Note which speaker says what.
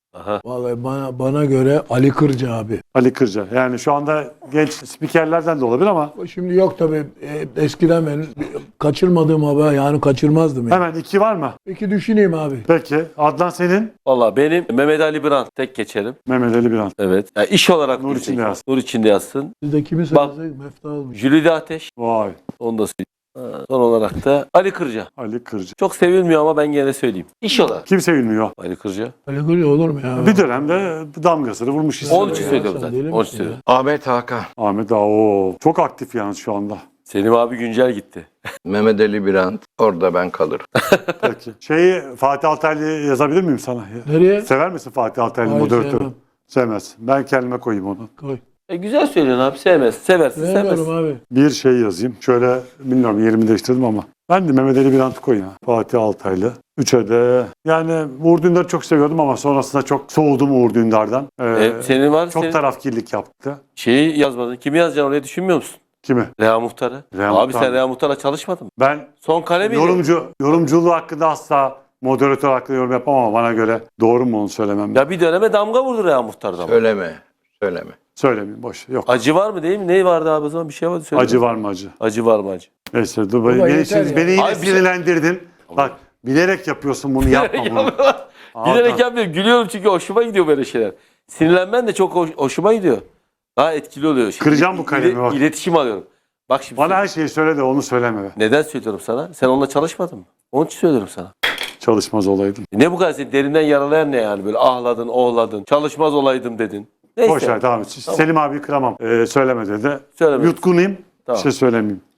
Speaker 1: Aha.
Speaker 2: Vallahi bana göre Ali Kırca abi.
Speaker 3: Ali Kırca. Yani şu anda genç spikerlerden de olabilir ama
Speaker 2: Şimdi yok tabii. Eskiden ben kaçırmadığım haber yani kaçırmazdım. Yani.
Speaker 3: hemen 2 var mı?
Speaker 2: Peki düşüneyim abi.
Speaker 3: Peki. Adnan senin?
Speaker 1: Valla benim Mehmet Ali Birant tek geçerim.
Speaker 3: Mehmet Ali Birant.
Speaker 1: Evet. Yani iş olarak
Speaker 3: Nur
Speaker 1: diyecek.
Speaker 3: içinde yazsın.
Speaker 1: Nur içinde yazsın.
Speaker 2: Siz de kimi
Speaker 1: Bak-
Speaker 2: söylesek Mefta olmuş.
Speaker 1: Jülide Ateş.
Speaker 3: Vay.
Speaker 1: Onu da söyleyeyim. Son olarak da Ali Kırca.
Speaker 3: Ali Kırca.
Speaker 1: Çok sevilmiyor ama ben gene söyleyeyim. İş olarak.
Speaker 3: Kimse bilmiyor.
Speaker 1: Ali Kırca.
Speaker 2: Ali Kırca olur mu ya?
Speaker 3: Bir dönemde damgasını vurmuş isim.
Speaker 1: Onun için
Speaker 2: Ya,
Speaker 1: söylüyorum
Speaker 2: sen
Speaker 1: zaten.
Speaker 2: deli
Speaker 1: Onun için
Speaker 2: misin
Speaker 1: söylüyorum.
Speaker 4: Ahmet Hakan,
Speaker 3: Ahmet Ağa. Çok aktif yalnız şu anda.
Speaker 1: Selim abi güncel gitti.
Speaker 4: Mehmet Ali Birant, orada ben kalırım.
Speaker 3: Peki. Fatih Altaylı yazabilir miyim sana?
Speaker 2: Nereye?
Speaker 3: Sever misin Fatih Altaylı
Speaker 2: Hayır,
Speaker 3: moderatörü?
Speaker 2: sevmem.
Speaker 3: Sevmez. Ben kendime koyayım onu.
Speaker 2: Koy.
Speaker 1: Güzel söylüyorsun abi. Sevmez. Seversin.
Speaker 2: Sevmiyorum
Speaker 1: Sevmez.
Speaker 2: abi.
Speaker 3: Bir şey yazayım. Şöyle bilmiyorum yerimi değiştirdim ama. Ben de Mehmet Ali Birant'ı koyayım. Fatih Altaylı. 3'e de yani Uğur Dündar'ı çok seviyordum ama sonrasında çok soğudum Uğur Dündar'dan.
Speaker 1: Senin var.
Speaker 3: Çok
Speaker 1: Senin
Speaker 3: tarafkirlik yaptı.
Speaker 1: şeyi yazmadın. Kimi yazacaksın oraya düşünmüyor musun?
Speaker 3: Kimi?
Speaker 1: Reha Muhtar'ı.
Speaker 3: Reha
Speaker 1: Abi
Speaker 3: Muhtar.
Speaker 1: sen Reha Muhtar'la çalışmadın mı?
Speaker 3: Ben
Speaker 1: Son kale miydi?
Speaker 3: yorumculuğu hakkında asla moderatör hakkında yorum yapamam ama bana göre doğru mu onu söylemem.
Speaker 1: Ya bir döneme damga vurdu Reha Muhtar'dan.
Speaker 4: Söyleme.
Speaker 3: Söylemeyeyim boş. Yok.
Speaker 1: Acı var mı değil mi? Ne vardı abi o zaman? Bir şey vardı. Söyle.
Speaker 3: Acı var mı acı?
Speaker 1: Acı var mı acı?
Speaker 3: Neyse dur.
Speaker 2: Baba
Speaker 3: Beni,
Speaker 2: yeter ya.
Speaker 3: beni yine
Speaker 1: Abi bir şey-
Speaker 3: sinirlendirdin. Bak bilerek yapıyorsun bunu yapma bunu.
Speaker 1: Bilerek yapmıyorum. Gülüyorum çünkü hoşuma gidiyor böyle şeyler. Sinirlenmen de çok hoşuma gidiyor. Daha etkili oluyor. Şimdi
Speaker 3: Kıracağım bu kalemi bak.
Speaker 1: İletişim alıyorum. Bak şimdi
Speaker 3: Bana her şeyi söyle de onu söyleme be.
Speaker 1: neden söylüyorum sana? Sen onunla çalışmadın mı? Onun için söylüyorum sana.
Speaker 3: Çalışmaz olaydım.
Speaker 1: Ne bu kadar seni derinden yaralayan ne yani? Böyle ahladın, ohladın. Çalışmaz olaydım dedin. Neyse.
Speaker 3: Boş ver tamam. Selim abi kıramam. Söyleme dedi.
Speaker 1: Söyleme.
Speaker 3: Yutkunayım.
Speaker 1: Tamam.
Speaker 3: Bir şey söylemeyeyim.